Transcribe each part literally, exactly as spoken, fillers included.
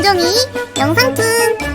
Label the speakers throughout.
Speaker 1: 김종이 영상툰.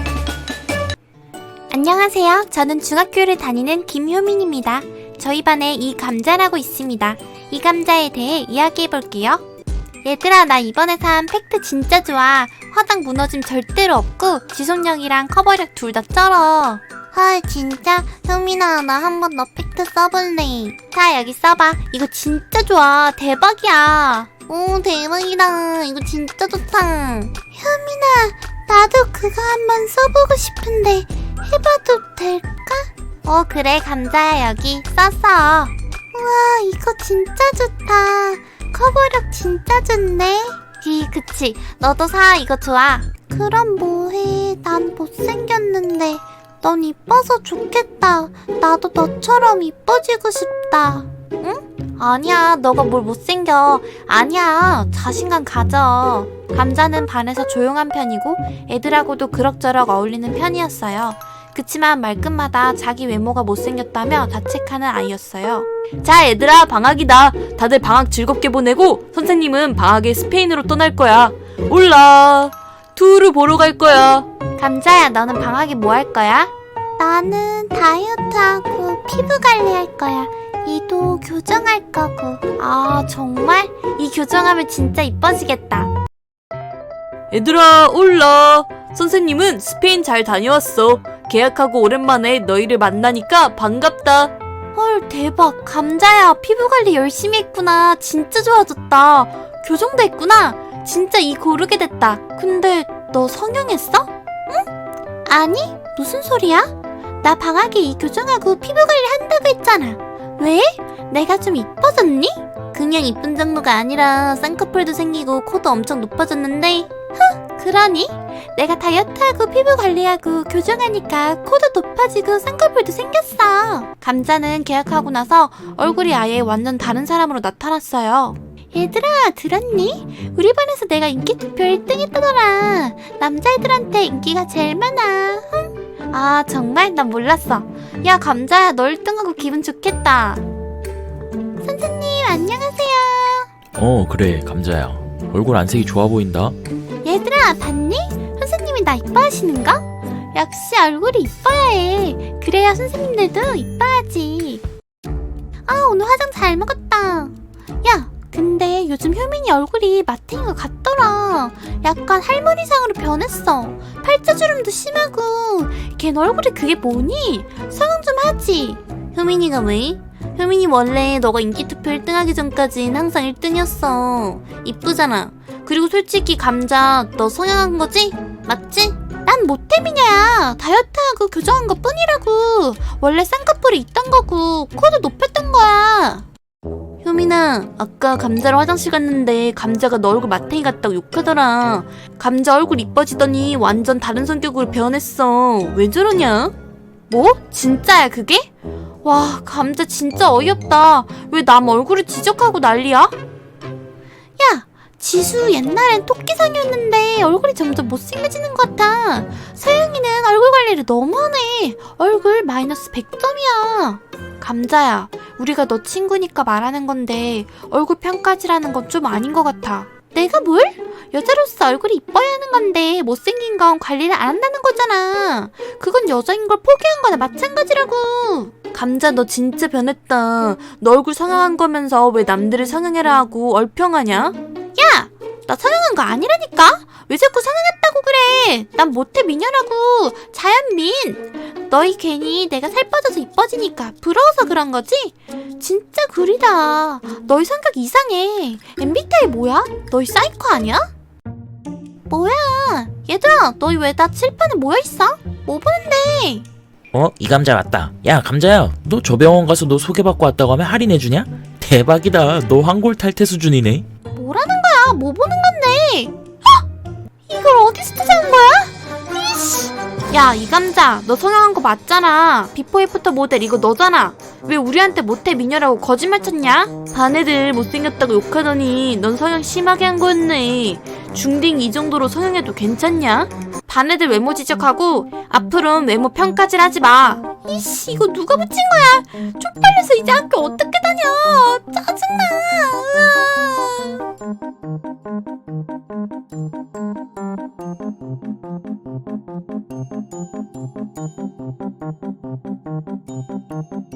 Speaker 2: 안녕하세요. 저는 중학교를 다니는 김효민입니다. 저희 반에 이 감자라고 있습니다. 이 감자에 대해 이야기해볼게요. 얘들아, 나 이번에 산 팩트 진짜 좋아. 화장 무너짐 절대로 없고 지속력이랑 커버력 둘 다 쩔어. 헐, 진짜? 효민아, 나 한번 너 팩트 써볼래. 자, 여기 써봐. 이거 진짜 좋아. 대박이야. 오, 대박이다. 이거 진짜 좋다. 효민아, 나도 그거 한번 써보고 싶은데 해봐도 될까? 어, 그래. 감자야, 여기 썼어. 우와, 이거 진짜 좋다. 커버력 진짜 좋네. 이, 그치. 너도 사. 이거 좋아. 그럼 뭐해. 난 못생겼는데 넌 이뻐서 좋겠다. 나도 너처럼 이뻐지고 싶다. 응? 아니야, 너가 뭘 못생겨. 아니야, 자신감 가져. 감자는 반에서 조용한 편이고 애들하고도 그럭저럭 어울리는 편이었어요. 그치만 말끝마다 자기 외모가 못생겼다며 자책하는 아이였어요. 자, 얘들아, 방학이다. 다들 방학 즐겁게 보내고 선생님은 방학에 스페인으로 떠날 거야. 올라, 투르 보러 갈 거야. 감자야, 너는 방학에 뭐 할 거야? 나는 다이어트하고 피부 관리할 거야. 이도 교정할 거고. 아, 정말? 이 교정하면 진짜 이뻐지겠다. 얘들아, 올라. 선생님은 스페인 잘 다녀왔어. 계약하고 오랜만에 너희를 만나니까 반갑다. 헐, 대박. 감자야, 피부 관리 열심히 했구나. 진짜 좋아졌다. 교정도 했구나. 진짜 이 고르게 됐다. 근데 너 성형했어? 응? 아니, 무슨 소리야? 나 방학에 이 교정하고 피부 관리 한다고 했잖아. 왜? 내가 좀 이뻐졌니? 그냥 이쁜 정도가 아니라 쌍꺼풀도 생기고 코도 엄청 높아졌는데. 흥, 그러니? 내가 다이어트하고 피부 관리하고 교정하니까 코도 높아지고 쌍꺼풀도 생겼어. 감자는 계약하고 나서 얼굴이 아예 완전 다른 사람으로 나타났어요. 얘들아, 들었니? 우리 반에서 내가 인기 투표 일 등 했다더라. 남자애들한테 인기가 제일 많아. 흥. 아, 정말? 난 몰랐어. 야, 감자야, 너 일 등하고 기분 좋겠다. 선생님, 안녕하세요.
Speaker 3: 어, 그래, 감자야. 얼굴 안색이 좋아 보인다.
Speaker 2: 얘들아, 봤니? 선생님이 나 이뻐하시는 거? 역시 얼굴이 이뻐야 해. 그래야 선생님들도 이뻐하지. 아, 오늘 화장 잘 먹었다. 야, 근데 요즘 효민이 얼굴이 마탱이 것 같더라. 약간 할머니상으로 변했어. 팔자주름도 심하고. 걔 얼굴이 그게 뭐니? 성형 좀 하지. 효민이가 왜? 효민이 원래 너가 인기투표 일 등 하기 전까진 항상 일 등이었어. 이쁘잖아. 그리고 솔직히 감자, 너 성형한 거지? 맞지? 난 모태미녀야. 다이어트하고 교정한 것 뿐이라고. 원래 쌍꺼풀이 있던 거고 코도 높였던 거야. 효민아, 아까 감자랑 화장실 갔는데 감자가 너 얼굴 마탱이 같다고 욕하더라. 감자 얼굴 이뻐지더니 완전 다른 성격으로 변했어. 왜 저러냐? 뭐? 진짜야 그게? 와, 감자 진짜 어이없다. 왜 남 얼굴을 지적하고 난리야? 야, 지수 옛날엔 토끼상이었는데 얼굴이 점점 못생겨지는 것 같아. 서영이는 얼굴 관리를 너무하네. 얼굴 마이너스 백 점이야. 감자야, 우리가 너 친구니까 말하는 건데 얼굴 평가지라는 건 좀 아닌 것 같아. 내가 뭘? 여자로서 얼굴이 이뻐야 하는 건데 못생긴 건 관리를 안 한다는 거잖아. 그건 여자인 걸 포기한 거나 마찬가지라고. 감자, 너 진짜 변했다. 너 얼굴 성형한 거면서 왜 남들을 성형해라 하고 얼평하냐? 야! 나 성형한 거 아니라니까? 왜 자꾸 성형했다고 그래? 난 모태 미녀라고. 자연민. 너희 괜히 내가 살 빠져서 이뻐지니까 부러워서 그런 거지? 진짜 구리다. 너희 성격 이상해. 엠비티아이 뭐야? 너희 사이코 아니야? 뭐야? 얘들아, 너희 왜 다 칠판에 모여있어? 뭐 보는데?
Speaker 3: 어? 이 감자 맞다. 야, 감자야, 너 저 병원 가서 너 소개받고 왔다고 하면 할인해주냐? 대박이다. 너 황골 탈퇴 수준이네.
Speaker 2: 뭐라는 거야? 뭐 보는 건데? 헉! 이걸 어디서 찾아온 거야? 이씨! 야, 이 감자, 너 성형한 거 맞잖아. 비포 애프터 모델 이거 너잖아. 왜 우리한테 모태 미녀라고 거짓말 쳤냐? 반 애들 못생겼다고 욕하더니 넌 성형 심하게 한 거였네. 중딩 이 정도로 성형해도 괜찮냐? 반 애들 외모 지적하고 앞으로는 외모 평가질 하지 마. 이씨, 이거 누가 붙인 거야? 쪽팔려서 이제 학교 어떻게 다녀? 짜증나. 으아. 어?